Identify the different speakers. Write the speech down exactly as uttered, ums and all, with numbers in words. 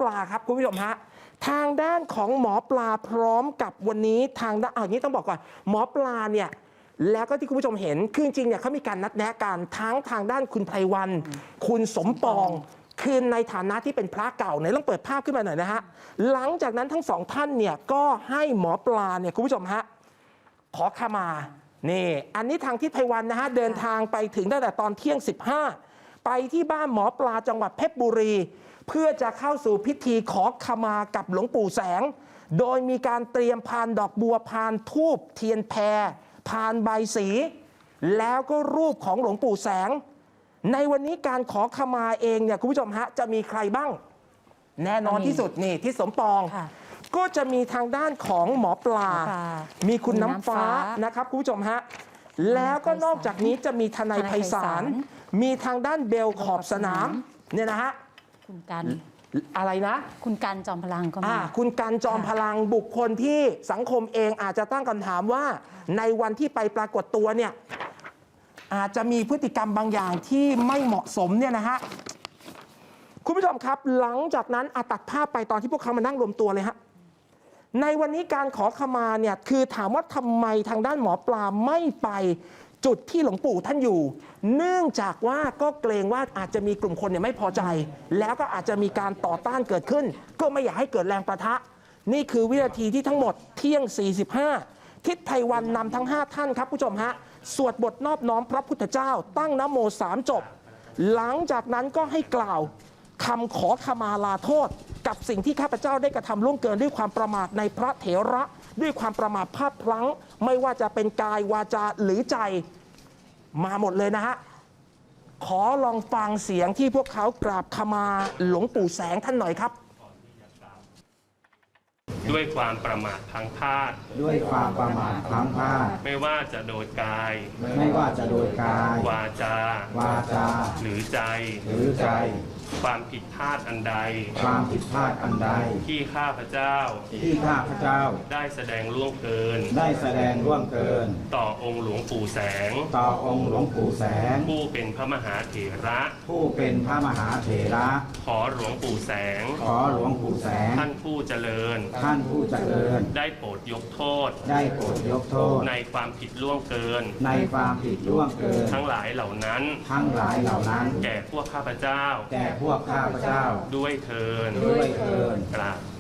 Speaker 1: ปลาครับคุณผู้ชมฮะทางด้านของหมอปลาพร้อมกับวันนี้ทางด้านอย่างนี้ต้องบอกก่อนหมอปลาเนี่ยแล้วก็ที่คุณผู้ชมเห็นคือจริงเนี่ยเขามีการนัดแนะกันทั้งทางด้านคุณไพวันคุณสมปองคือในฐานะที่เป็นพระเก่าเนี่ยต้องเปิดภาพขึ้นมาหน่อยนะฮะหลังจากนั้นทั้งสองท่านเนี่ยก็ให้หมอปลาเนี่ยคุณผู้ชมฮะขอขมานี่อันนี้ทางทิศไพวันนะฮะเดินทางไปถึงตั้งแต่ตอนเที่ยงสิบห้าไปที่บ้านหมอปลาจังหวัดเพชรบุรีเพื่อจะเข้าสู่พิธีขอขมากับหลวงปู่แสงโดยมีการเตรียมพานดอกบัวพานธูปเทียนแพรพานใบสีแล้วก็รูปของหลวงปู่แสงในวันนี้การขอขมาเองเนี่ยคุณผู้ชมฮะจะมีใครบ้างแน่นอนที่สุดนี่ที่สมปองก็จะมีทางด้านของหมอปลามีคุณน้ำฟ้านะครับคุณผู้ชมฮะแล้วก็นอกจากนี้จะมีทนายไพศาลมีทางด้านเบลขอบสนามเนี่ยนะฮะ
Speaker 2: คุณกัน
Speaker 1: อะไรนะ
Speaker 2: คุณกันจอมพลังก็มา
Speaker 1: คุณกันจอมพลังบุคคลที่สังคมเองอาจจะตั้งคำถามว่าในวันที่ไปปรากฏตัวเนี่ยอาจจะมีพฤติกรรมบางอย่างที่ไม่เหมาะสมเนี่ยนะฮะคุณผู้ชมครับหลังจากนั้นอาตัดภาพไปตอนที่พวกเขามานั่งรวมตัวเลยฮะในวันนี้การขอขมาเนี่ยคือถามว่าทำไมทางด้านหมอปลาไม่ไปจุดที่หลวงปู่ท่านอยู่เนื่องจากว่าก็เกรงว่าอาจจะมีกลุ่มคนเนี่ยไม่พอใจแล้วก็อาจจะมีการต่อต้านเกิดขึ้นก็ไม่อยากให้เกิดแรงประทะนี่คือวินาทีที่ทั้งหมดเที่ยงสี่สิบห้าทิศไพวันนำทั้งห้าท่านครับผู้ชมฮะสวดบทนอบน้อมพระพุทธเจ้าตั้งนะโมสามจบหลังจากนั้นก็ให้กล่าวคำขอขมาลาโทษกับสิ่งที่ข้าพเจ้าได้กระทำล่วงเกินด้วยความประมาทในพระเถระด้วยความประมาทพลาดพลั้งไม่ว่าจะเป็นกายวาจาหรือใจมาหมดเลยนะฮะขอลองฟังเสียงที่พวกเขากราบขมาหลวงปู่แสงท่านหน่อยครับ
Speaker 3: ด้วยความประมาทพลั้งพลาด
Speaker 4: ด้วยความประมาทพลั้งพลาด
Speaker 3: ไม่ว่าจะโดยกาย
Speaker 4: ไม่ว่าจะโดยกายว
Speaker 3: าจาว
Speaker 4: าจา
Speaker 3: หรือใจ
Speaker 4: หรือใจ
Speaker 3: ความผิดพลาดอันใด
Speaker 4: ความผิดพลาดอันใด
Speaker 3: ที่ข้าพเจ้า
Speaker 4: ที่ข้าพเจ้า
Speaker 3: ได้แสดงล่วงเกิน
Speaker 4: ได้แสดงล่วงเกิน
Speaker 3: ต่อองค์หลวงปู่แสง
Speaker 4: ต่อองค์หลวงปู่แสง
Speaker 3: ผู้เป็นพระมหาเถระ
Speaker 4: ผู้เป็นพระมหาเถระ
Speaker 3: ขอหลวงปู่แสง
Speaker 4: ขอหลวงปู่แสง
Speaker 3: ท่านผู้เจริญ
Speaker 4: ท่านผู้เจริญ
Speaker 3: ได้โปรดยกโทษ
Speaker 4: ได้โปรดยกโทษ
Speaker 3: ในความผิดล่วงเกิน
Speaker 4: ในความผิดล่วงเกิน
Speaker 3: ทั้งหลายเหล่านั้น
Speaker 4: ทั้งหลายเหล่านั้น
Speaker 3: แก่พวกข้าพเจ้า
Speaker 4: แก่พวกข้าพเจ้า
Speaker 3: ด้วยเทิน
Speaker 4: ด้วยเทิน
Speaker 3: กราบ